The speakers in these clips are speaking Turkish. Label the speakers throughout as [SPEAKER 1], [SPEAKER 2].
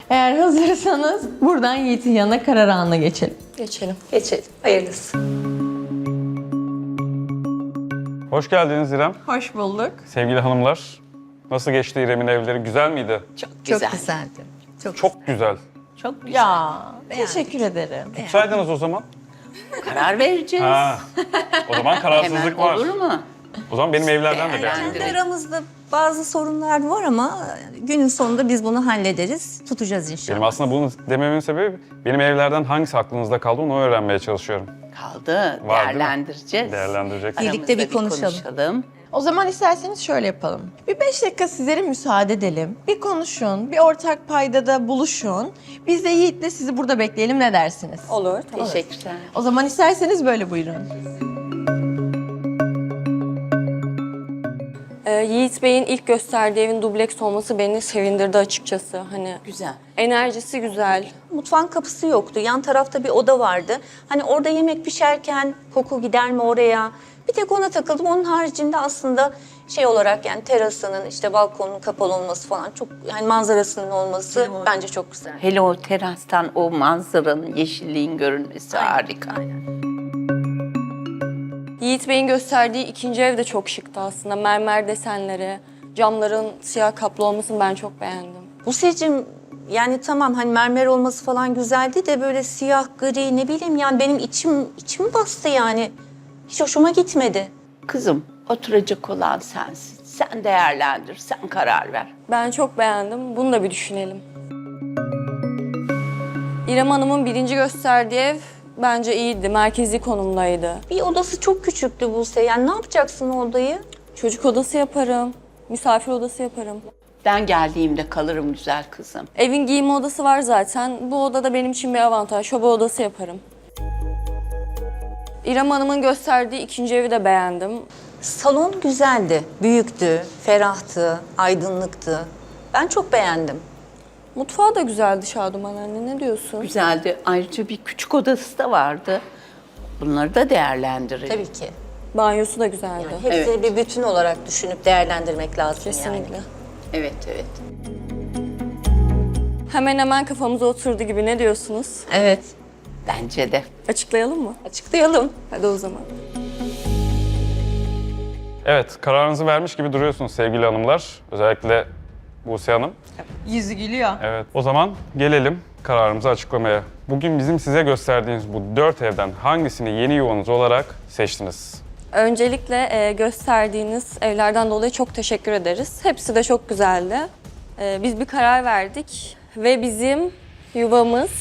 [SPEAKER 1] Eğer hazırsanız buradan Yiğit'in yanına karar anına geçelim.
[SPEAKER 2] Geçelim. Geçelim. Hayırlısı.
[SPEAKER 3] Hoş geldiniz İrem.
[SPEAKER 1] Hoş bulduk.
[SPEAKER 3] Sevgili hanımlar, nasıl geçti İrem'in evleri? Güzel miydi?
[SPEAKER 2] Çok güzel.
[SPEAKER 4] Çok güzeldi.
[SPEAKER 3] Çok güzel.
[SPEAKER 4] Çok güzel.
[SPEAKER 1] Ya teşekkür ederim.
[SPEAKER 3] Tutsaydınız o zaman.
[SPEAKER 4] Karar vereceğiz.
[SPEAKER 3] Ha. O zaman kararsızlık
[SPEAKER 4] Hemen
[SPEAKER 3] var.
[SPEAKER 4] olur mu?
[SPEAKER 3] O zaman benim evlerden de
[SPEAKER 4] Yani.
[SPEAKER 3] beğendim.
[SPEAKER 2] Kendi aramızda bazı sorunlar var ama günün sonunda biz bunu hallederiz. Tutacağız inşallah.
[SPEAKER 3] Benim aslında bunu dememin sebebi benim evlerden hangisi aklınızda kaldı onu öğrenmeye çalışıyorum.
[SPEAKER 4] Kaldı.
[SPEAKER 3] Var, değil mi?
[SPEAKER 4] Değerlendireceğiz.
[SPEAKER 3] Değerlendireceksiniz.
[SPEAKER 2] Birlikte bir
[SPEAKER 4] Aramızda
[SPEAKER 2] konuşalım.
[SPEAKER 1] O zaman isterseniz şöyle yapalım. Bir 5 dakika sizlere müsaade edelim. Bir konuşun, bir ortak paydada buluşun. Biz de Yiğit'le sizi burada bekleyelim, ne dersiniz?
[SPEAKER 2] Olur.
[SPEAKER 4] Teşekkürler.
[SPEAKER 1] O zaman isterseniz böyle buyurun.
[SPEAKER 5] Yiğit Bey'in ilk gösterdiği evin dubleks olması beni sevindirdi açıkçası. Hani
[SPEAKER 4] Güzel.
[SPEAKER 5] enerjisi güzel.
[SPEAKER 2] Mutfağın kapısı yoktu. Yan tarafta bir oda vardı. Hani orada yemek pişerken koku gider mi oraya? Bir tek ona takıldım. Onun haricinde aslında şey olarak yani terasının işte balkonun kapalı olması falan çok yani manzarasının olması bence çok güzel.
[SPEAKER 4] Hele o terastan o manzaranın, yeşilliğin görünmesi harika.
[SPEAKER 5] Yiğit Bey'in gösterdiği ikinci ev de çok şıktı aslında. Mermer desenleri, camların siyah kaplı olmasını ben çok beğendim.
[SPEAKER 2] Buse'cim yani tamam hani mermer olması falan güzeldi de böyle siyah, gri ne bileyim yani benim içim bastı yani. Hiç hoşuma gitmedi.
[SPEAKER 4] Kızım, oturacak olan sensin. Sen değerlendir, sen karar ver.
[SPEAKER 5] Ben çok beğendim. Bunu da bir düşünelim. İrem Hanım'ın birinci gösterdiği ev bence iyiydi. Merkezi konumdaydı.
[SPEAKER 2] Bir odası çok küçüktü Buse. Yani ne yapacaksın o odayı?
[SPEAKER 5] Çocuk odası yaparım. Misafir odası yaparım.
[SPEAKER 4] Ben geldiğimde kalırım güzel kızım.
[SPEAKER 5] Evin giyinme odası var zaten. Bu odada benim için bir avantaj. Şoba odası yaparım. İrem Hanım'ın gösterdiği ikinci evi de beğendim.
[SPEAKER 2] Salon güzeldi. Büyüktü, ferahtı, aydınlıktı. Ben çok beğendim.
[SPEAKER 5] Mutfağı da güzeldi Şaduman anne. Ne diyorsun?
[SPEAKER 4] Güzeldi. Ayrıca bir küçük odası da vardı. Bunları da değerlendirelim.
[SPEAKER 2] Tabii ki.
[SPEAKER 5] Banyosu da güzeldi.
[SPEAKER 2] Hepsini bir bütün olarak düşünüp değerlendirmek lazım
[SPEAKER 5] Kesinlikle.
[SPEAKER 2] yani.
[SPEAKER 4] Evet, evet.
[SPEAKER 5] Hemen hemen kafamıza oturdu gibi. Ne diyorsunuz?
[SPEAKER 2] Evet.
[SPEAKER 4] Bence de.
[SPEAKER 5] Açıklayalım mı?
[SPEAKER 2] Açıklayalım.
[SPEAKER 5] Hadi o zaman.
[SPEAKER 3] Evet, kararınızı vermiş gibi duruyorsunuz sevgili hanımlar. Özellikle Buse Hanım.
[SPEAKER 1] Yüzü gülüyor.
[SPEAKER 3] Evet, o zaman gelelim kararımızı açıklamaya. Bugün bizim size gösterdiğimiz bu 4 evden hangisini yeni yuvanız olarak seçtiniz?
[SPEAKER 5] Öncelikle gösterdiğiniz evlerden dolayı çok teşekkür ederiz. Hepsi de çok güzeldi. Biz bir karar verdik ve bizim yuvamız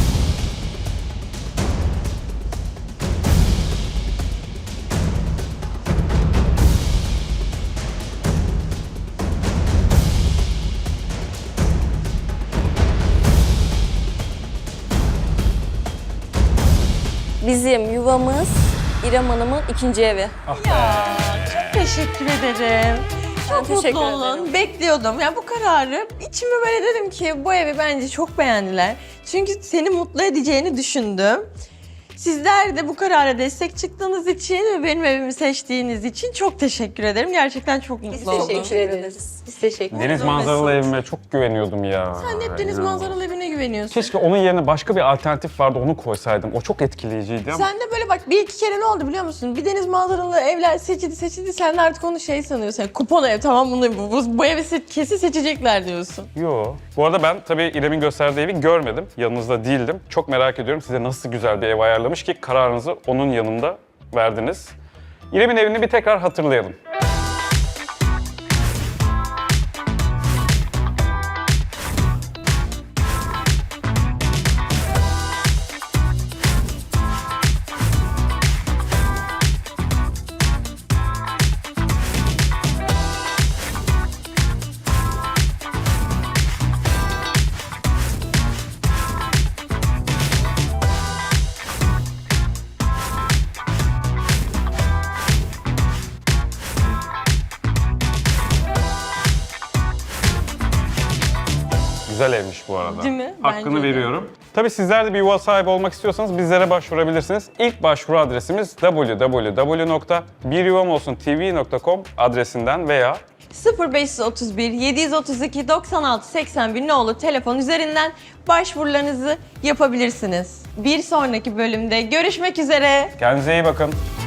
[SPEAKER 5] İrem Hanım'ın ikinci evi.
[SPEAKER 1] Teşekkür ederim. Çok
[SPEAKER 5] teşekkür
[SPEAKER 1] mutlu olun.
[SPEAKER 5] ederim.
[SPEAKER 1] Bekliyordum. Yani bu kararı içime böyle dedim ki bu evi bence çok beğendiler. Çünkü seni mutlu edeceğini düşündüm. Sizler de bu karara destek çıktığınız için ve benim evimi seçtiğiniz için çok teşekkür ederim. Gerçekten çok mutlu oldum.
[SPEAKER 2] Teşekkür ederiz. Biz teşekkür ederiz.
[SPEAKER 3] Deniz manzaralı evime çok güveniyordum ya.
[SPEAKER 1] Sen de hep deniz
[SPEAKER 3] İnanılmaz.
[SPEAKER 1] manzaralı evine güveniyorsun.
[SPEAKER 3] Keşke onun yerine başka bir alternatif vardı, onu koysaydım. O çok etkileyiciydi ama.
[SPEAKER 1] Sen de böyle bak bir iki kere ne oldu biliyor musun? Bir deniz manzaralı evler seçildi. Sen de artık onu şey sanıyorsun. Yani kupon ev tamam bu evi kesin seçecekler diyorsun.
[SPEAKER 3] Yo. Bu arada ben tabii İrem'in gösterdiği evi görmedim. Yanınızda değildim. Çok merak ediyorum size nasıl güzel bir ev ayarlamış ki kararınızı onun yanında verdiniz. İrem'in evini bir tekrar hatırlayalım. Güzel evmiş bu arada.
[SPEAKER 1] Değil mi?
[SPEAKER 3] Hakkını
[SPEAKER 1] Bence de.
[SPEAKER 3] veriyorum. Tabii sizler de bir yuva sahibi olmak istiyorsanız bizlere başvurabilirsiniz. İlk başvuru adresimiz www.biryuvamolsuntv.com adresinden veya
[SPEAKER 1] 0531 732 96 81 nolu telefon üzerinden başvurularınızı yapabilirsiniz. Bir sonraki bölümde görüşmek üzere.
[SPEAKER 3] Kendinize iyi bakın.